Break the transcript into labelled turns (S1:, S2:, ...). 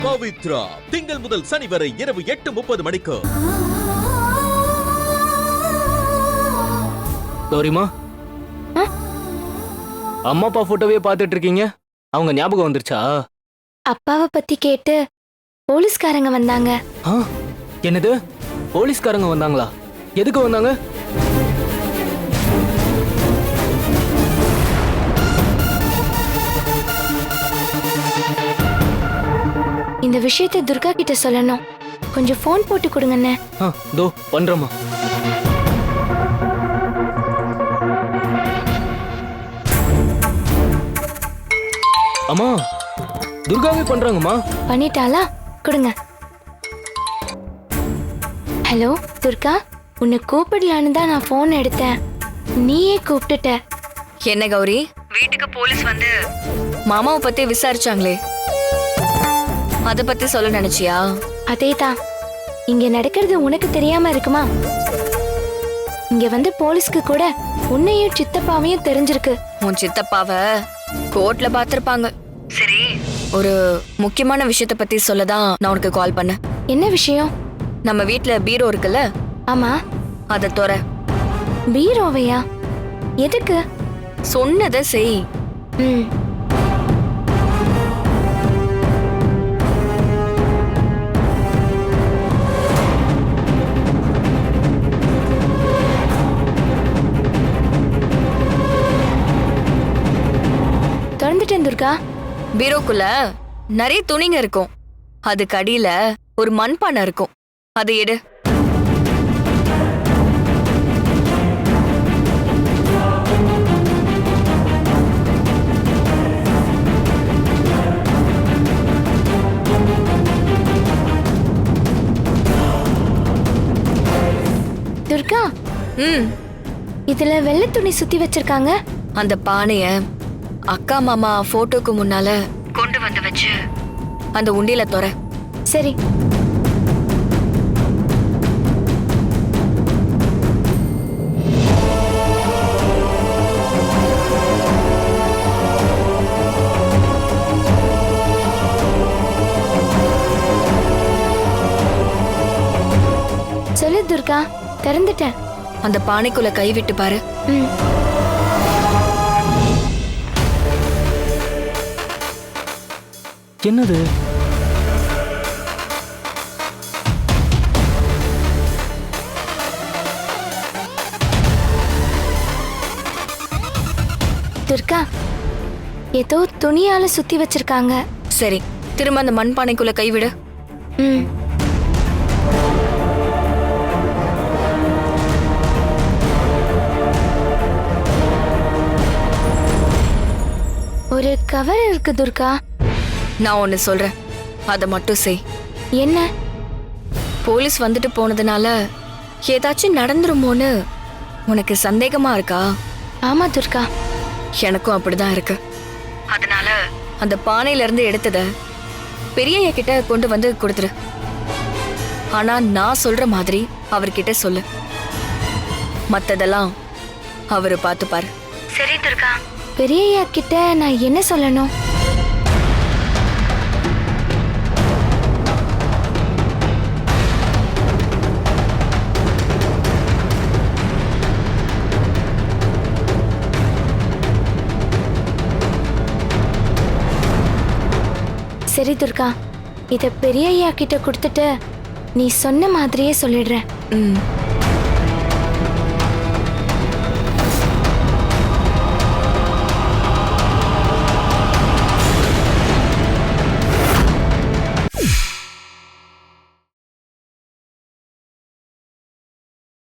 S1: பவித்ரா திங்கள் முதல் சனி வரை இரவு 8:30 மணிக்கு.
S2: கௌரிமா, அம்மா அப்பா போட்டோவே பார்த்துட்டு இருக்கீங்க. அவங்க ஞாபகம் வந்துருச்சா?
S3: அப்பாவை பத்தி கேட்டு போலீஸ்காரங்க வந்தாங்க.
S2: என்னது, போலீஸ்காரங்க வந்தாங்களா? எதுக்கு வந்தாங்க?
S3: இந்த விஷயத்தை துர்கா கிட்ட சொல்லணும். கொஞ்சம் போன் போட்டு கொடுங்கண்ணே.
S2: தோ பண்றேம்மா. அம்மா, துர்காவே பண்றாங்கம்மா.
S3: பண்ணிட்டாளா? கொடுங்க. ஹலோ துர்கா, உன்னை கூப்பிடலான்னு தான் நான் போன் எடுத்தேன். நீயே கூப்பிட்டுட்ட.
S4: என்ன கௌரி, வீட்டுக்கு போலீஸ் வந்து மாமாவை பத்தி விசாரிச்சாங்களே, அத பத்தி சொல்ல நினைச்சியா?
S3: அதேதான். இங்க நடக்கிறது உனக்கு தெரியாம இருக்குமா? இங்க வந்து போலீஸ்க்கு கூட உன்னையும் சித்தப்பாவையும் தெரிஞ்சிருக்கு.
S4: உன் சித்தப்பாவ கோர்ட்ல பாத்திருப்பாங்க. சரி, ஒரு முக்கியமான விஷயத்த பத்தி சொல்லதான் நான் உனக்கு கால் பண்ணேன்.
S3: என்ன விஷயம்?
S4: நம்ம வீட்ல பீரோ இருக்குல்ல?
S3: ஆமா.
S4: அத தொற.
S3: பீரோவையா? எதுக்கு?
S4: சொன்னதை செய்.
S3: திறந்துட்டேன் துர்கா.
S4: பீரோக்குள்ள நிறைய துணிங்க இருக்கும். அதுக்கு அடியில ஒரு மண்பானை இருக்கும். அதை எடு.
S3: துர்கா, இதுல வெள்ளை துணி சுத்தி வச்சிருக்காங்க.
S4: அந்த பானைய அக்கா மாமா போட்டோக்கு முன்னால கொண்டு வந்து வச்சு அந்த உண்டியில தொற.
S3: சரி. சொல்லு துர்கா, திறந்துட்டேன்.
S4: அந்த பானைக்குள்ள கை விட்டு பாரு.
S2: என்னது?
S3: துர்கா, ஏதோ துணியால சுத்தி வச்சிருக்காங்க.
S4: சரி, திரும்ப அந்த மண்பானைக்குள்ள கை விடு.
S3: ஒரு கவர் இருக்கு துர்கா.
S4: நான் ஒன்னு சொல்றேன், அத மட்டும் செய்.
S3: என்ன?
S4: போலீஸ் வந்துட்டு போனதுனால ஏதாச்சும் நடந்துருமோன்னு உனக்கு சந்தேகமா இருக்கா?
S3: ஆமா துர்கா,
S4: எனக்கும் அப்படிதான் இருக்கு. அதனால அந்த பானையில இருந்து எடுத்தத பெரியய்யா கிட்ட கொண்டு வந்து கொடுத்துரு. ஆனா நான் சொல்ற மாதிரி அவர்கிட்ட சொல்லு. மத்ததெல்லாம் அவரு பார்த்துப்பாரு.
S3: சரி துர்கா. பெரியய்யா கிட்ட நான் என்ன சொல்லணும்? சரி துர்கா, இத பெரியய்யா கிட்ட கொடுத்துட்டு நீ சொன்ன மாதிரியே சொல்லிடுறேன்.